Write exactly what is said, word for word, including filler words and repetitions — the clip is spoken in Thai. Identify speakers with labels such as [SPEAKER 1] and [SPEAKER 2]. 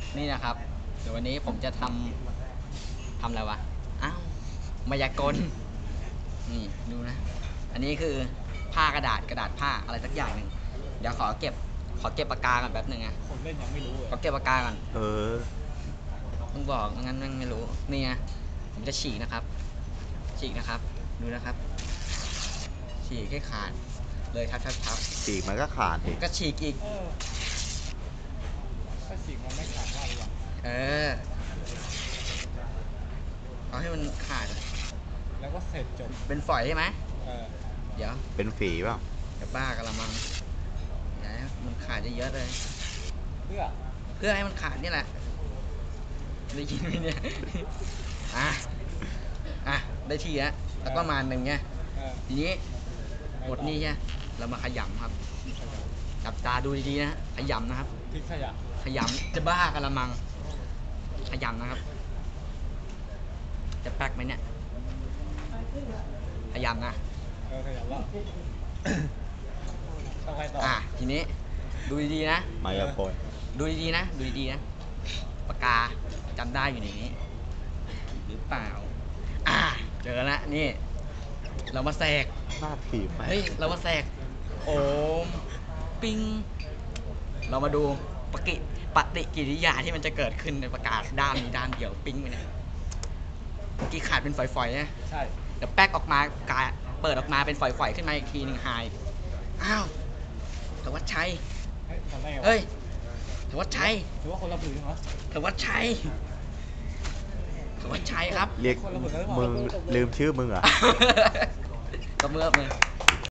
[SPEAKER 1] นี่นะครับเดี๋ยววันนี้ผมจะทำทำอะไรวะอ้าวมายากลนี่ดูนะอันนี้คือผ้ากระดาษกระดาษผ้าอะไรสักอย่างหนึ่งเดี๋ยวขอเก็บขอเก็บปากกาก่อนแป๊บหนึ่งนะ
[SPEAKER 2] คนเล่นยังไม่รู้เลย
[SPEAKER 1] ขอเก็บปากกาก่อน
[SPEAKER 3] เออ
[SPEAKER 1] ต้องบอกงั้นมันไม่รู้นี่นะผมจะฉีกนะครับฉีกนะครับดูนะครับฉีกให้ขาดเลยทับทับทับ
[SPEAKER 3] ฉีกมันก็ขาดอีก
[SPEAKER 1] ก็ฉีกอีก
[SPEAKER 2] เออถ้าฉีกมันไม่ขาดว่าหรือเปล่า
[SPEAKER 1] เออเอาให้มันขาด
[SPEAKER 2] แล้วก็เสร็จจบ
[SPEAKER 1] เป็นฝอยใช่ไหม
[SPEAKER 2] เออ
[SPEAKER 1] เดี๋ยว
[SPEAKER 3] เป็นฝีเปล่า
[SPEAKER 1] จะบ้ากระมังอย่าให้มันขาดเยอะๆเลย
[SPEAKER 2] เพื่อ
[SPEAKER 1] เพื่อให้มันขาดนี่แหละได้ยินไหมเนี่ยอ่ะอ่ะได้ทีแล้วแล้วก็มาหนึ่งเนี่ยทีนี้หมดนี่ใช่เรามาขยำครับจับตาดูดีๆนะขยำนะครับ
[SPEAKER 2] พริกขยะ
[SPEAKER 1] ขยำจะบ้ากระมังขยำนะครับจะแป๊กไหมเนี่ยขยำนะ
[SPEAKER 2] เออขยำแล้วต้องไปต่อ
[SPEAKER 1] อ่ะทีนี้ดูดีๆนะ
[SPEAKER 3] มายาโปน
[SPEAKER 1] ดูดีๆนะดูดีๆนะปากกาจำได้อยู่ในนี้หรือเปล่าอ่ะเจอแล้วนี่เรามาแสก
[SPEAKER 3] หน้าถีบไหม
[SPEAKER 1] เฮ้ยเรามาแสกโอมปิ้งเรามาดูปฏิปฏิกิริยาที่มันจะเกิดขึ้นในปากกาด้านนี้ด้านเดียวปิ้งไปเนี่ยเมื่อกี้ขาดเป็นฝอยๆนะ
[SPEAKER 2] ใช่
[SPEAKER 1] เดี๋ยวแป๊กออกมากาเปิดออกมาเป็นฝอยๆขึ้นมาอีกทีหนึ่งหายอ้าวธวัชชัยเฮ้ยธวัชชัย
[SPEAKER 2] ถือว่าคนละผืนเหรอ
[SPEAKER 1] ธวัชชัยธวัชชัยครับ
[SPEAKER 3] เรียกมึงลืมชื่อมึงเหรอ
[SPEAKER 1] ก็เมื่อมึง